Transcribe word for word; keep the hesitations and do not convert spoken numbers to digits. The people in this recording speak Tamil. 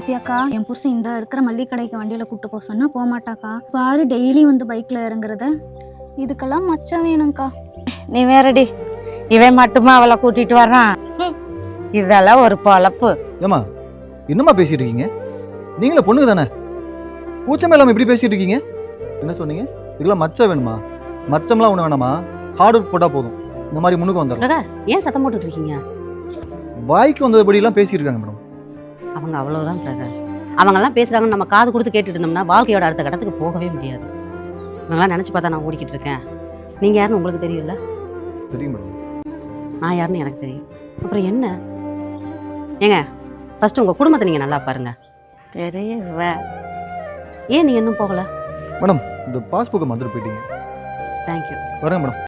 பாத்தியாக்கா, என் புருஷன் இந்த இருக்கிற மல்லிகை கடைக்கு வண்டியில கூட்டு போக சொன்னா போக மாட்டாக்கா. பாரு டெய்லி வந்து பைக்ல இறங்குறத. இதுக்கெல்லாம் மச்சம் வேணும்க்கா. நீ வேறடி, இவன் மட்டுமா அவளை கூட்டிட்டு வர்றான்? இதெல்லாம் ஒரு பொழப்பு. ஏமா என்னம்மா பேசிட்டு இருக்கீங்க? நீங்களே பொண்ணுங்க தானே, கூச்சமே இல்லாம இப்படி பேசிட்டு இருக்கீங்க? என்ன சொன்னீங்க? இதெல்லாம் மச்சம் வேணுமா? மச்சம்லாம் ஒண்ணு வேணாமா, ஹார்ட் ஒர்க் போட்டா போதும். இந்த மாதிரி முன்னுக்கு வந்துடலாம். பிரகாஷ், ஏன் சத்தம் போட்டுட்டு இருக்கீங்க? வாய்க்கு வந்தபடி எல்லாம் பேசிட்டு இருக்காங்க மேடம். அவங்க அவ்வளவுதான் பிரகாஷ். அவங்கெல்லாம் பேசுறாங்கன்னு நம்ம காது கொடுத்து கேட்டுட்டு இருந்தோம்னா வாழ்க்கையோட அடுத்த கட்டத்துக்கு போகவே முடியாது. இவங்கெல்லாம் நினைச்சு பார்த்தா நான் ஓடிக்கிட்டு இருக்கேன். நீங்க யாருன்னு உங்களுக்கு தெரியல, தெரியும் மேடம். நான் யாருன்னு எனக்கு தெரியும். அப்புறம் என்ன ஏங்க, ஃபர்ஸ்ட் உங்க குடும்பத்தை நீங்க நல்லா பாருங்க. பெரிய ஏன் நீங்க இன்னும் போகல? மேடம் இந்த பாஸ்புக்கை மறந்துட்டு போயிட்டீங்க. தேங்க்யூ. வரேன் மேடம்.